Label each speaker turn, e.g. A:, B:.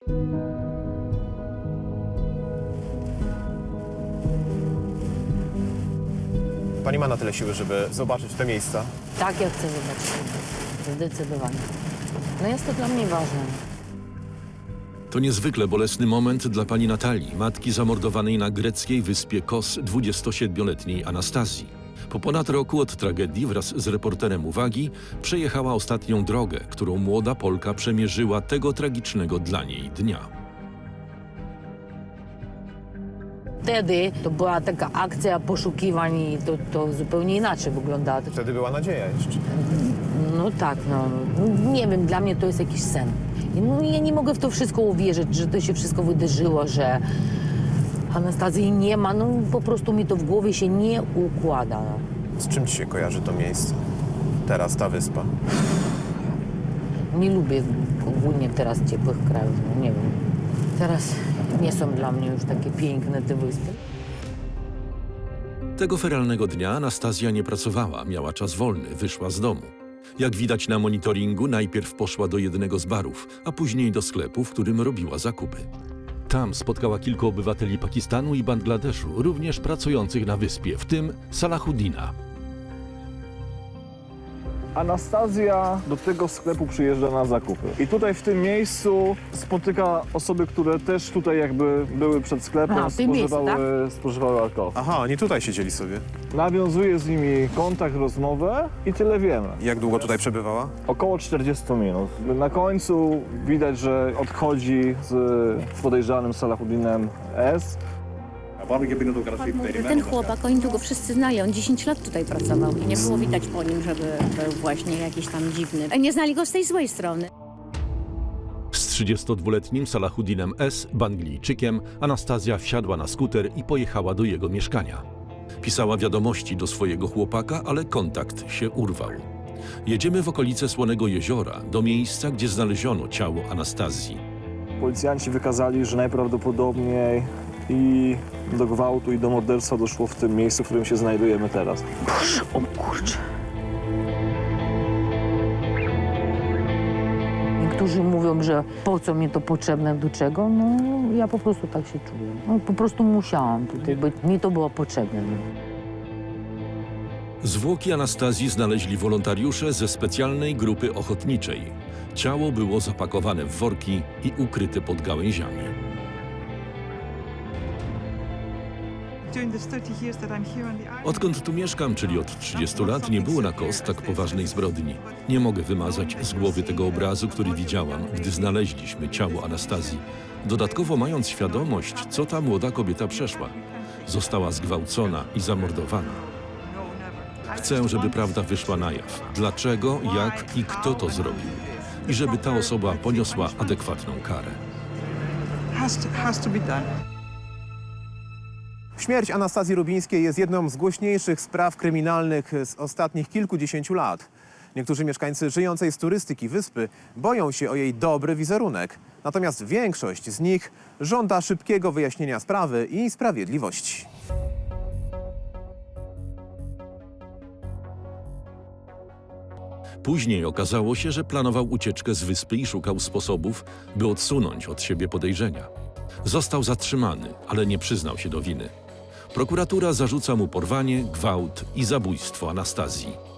A: Pani ma na tyle siły, żeby zobaczyć te miejsca?
B: Tak, ja chcę zobaczyć. Zdecydowanie. No jest to dla mnie ważne.
C: To niezwykle bolesny moment dla pani Natalii, matki zamordowanej na greckiej wyspie Kos 27-letniej Anastazji. Po ponad roku od tragedii wraz z reporterem Uwagi przejechała ostatnią drogę, którą młoda Polka przemierzyła tego tragicznego dla niej dnia.
B: Wtedy to była taka akcja poszukiwań i to zupełnie inaczej wyglądało.
A: Wtedy była nadzieja jeszcze.
B: No tak, no. Nie wiem, dla mnie to jest jakiś sen. No, ja nie mogę w to wszystko uwierzyć, że to się wszystko wydarzyło, że Anastazji nie ma. No po prostu mi to w głowie się nie układa.
A: Z czym ci się kojarzy to miejsce? Teraz ta wyspa.
B: Nie lubię ogólnie teraz ciepłych krajów, no nie wiem. Teraz nie są dla mnie już takie piękne te wyspy.
C: Tego feralnego dnia Anastazja nie pracowała, miała czas wolny, wyszła z domu. Jak widać na monitoringu, najpierw poszła do jednego z barów, a później do sklepu, w którym robiła zakupy. Tam spotkała kilku obywateli Pakistanu i Bangladeszu, również pracujących na wyspie, w tym Salahuddina.
D: Anastazja do tego sklepu przyjeżdża na zakupy. I tutaj w tym miejscu spotyka osoby, które też tutaj jakby były przed sklepem,
B: Aha, w tym miejscu,
D: spożywały alkohol.
A: Aha, oni tutaj siedzieli sobie.
D: Nawiązuje z nimi kontakt, rozmowę i tyle wiemy.
A: Jak długo tutaj przebywała?
D: Około 40 minut. Na końcu widać, że odchodzi z podejrzanym Salahuddinem S.
E: Ten chłopak, oni tu go wszyscy znają, 10 lat tutaj pracował i nie było widać po nim, żeby był właśnie jakiś tam dziwny. Nie znali go z tej złej strony.
C: Z 32-letnim Salahuddinem S., Banglijczykiem, Anastazja wsiadła na skuter i pojechała do jego mieszkania. Pisała wiadomości do swojego chłopaka, ale kontakt się urwał. Jedziemy w okolice Słonego Jeziora, do miejsca, gdzie znaleziono ciało Anastazji.
D: Policjanci wykazali, że najprawdopodobniej i do gwałtu, i do morderstwa doszło w tym miejscu, w którym się znajdujemy teraz.
B: O kurczę. Niektórzy mówią, że po co mi to potrzebne, do czego. No ja po prostu tak się czuję. No, po prostu musiałam tutaj być. Mi to było potrzebne.
C: Zwłoki Anastazji znaleźli wolontariusze ze specjalnej grupy ochotniczej. Ciało było zapakowane w worki i ukryte pod gałęziami. Odkąd tu mieszkam, czyli od 30 lat, nie było na Kos tak poważnej zbrodni. Nie mogę wymazać z głowy tego obrazu, który widziałam, gdy znaleźliśmy ciało Anastazji. Dodatkowo mając świadomość, co ta młoda kobieta przeszła. Została zgwałcona i zamordowana. Chcę, żeby prawda wyszła na jaw. Dlaczego, jak i kto to zrobił. I żeby ta osoba poniosła adekwatną karę.
F: Has to be done.
A: Śmierć Anastazji Rubińskiej jest jedną z głośniejszych spraw kryminalnych z ostatnich kilkudziesięciu lat. Niektórzy mieszkańcy żyjącej z turystyki wyspy boją się o jej dobry wizerunek. Natomiast większość z nich żąda szybkiego wyjaśnienia sprawy i sprawiedliwości.
C: Później okazało się, że planował ucieczkę z wyspy i szukał sposobów, by odsunąć od siebie podejrzenia. Został zatrzymany, ale nie przyznał się do winy. Prokuratura zarzuca mu porwanie, gwałt i zabójstwo Anastazji.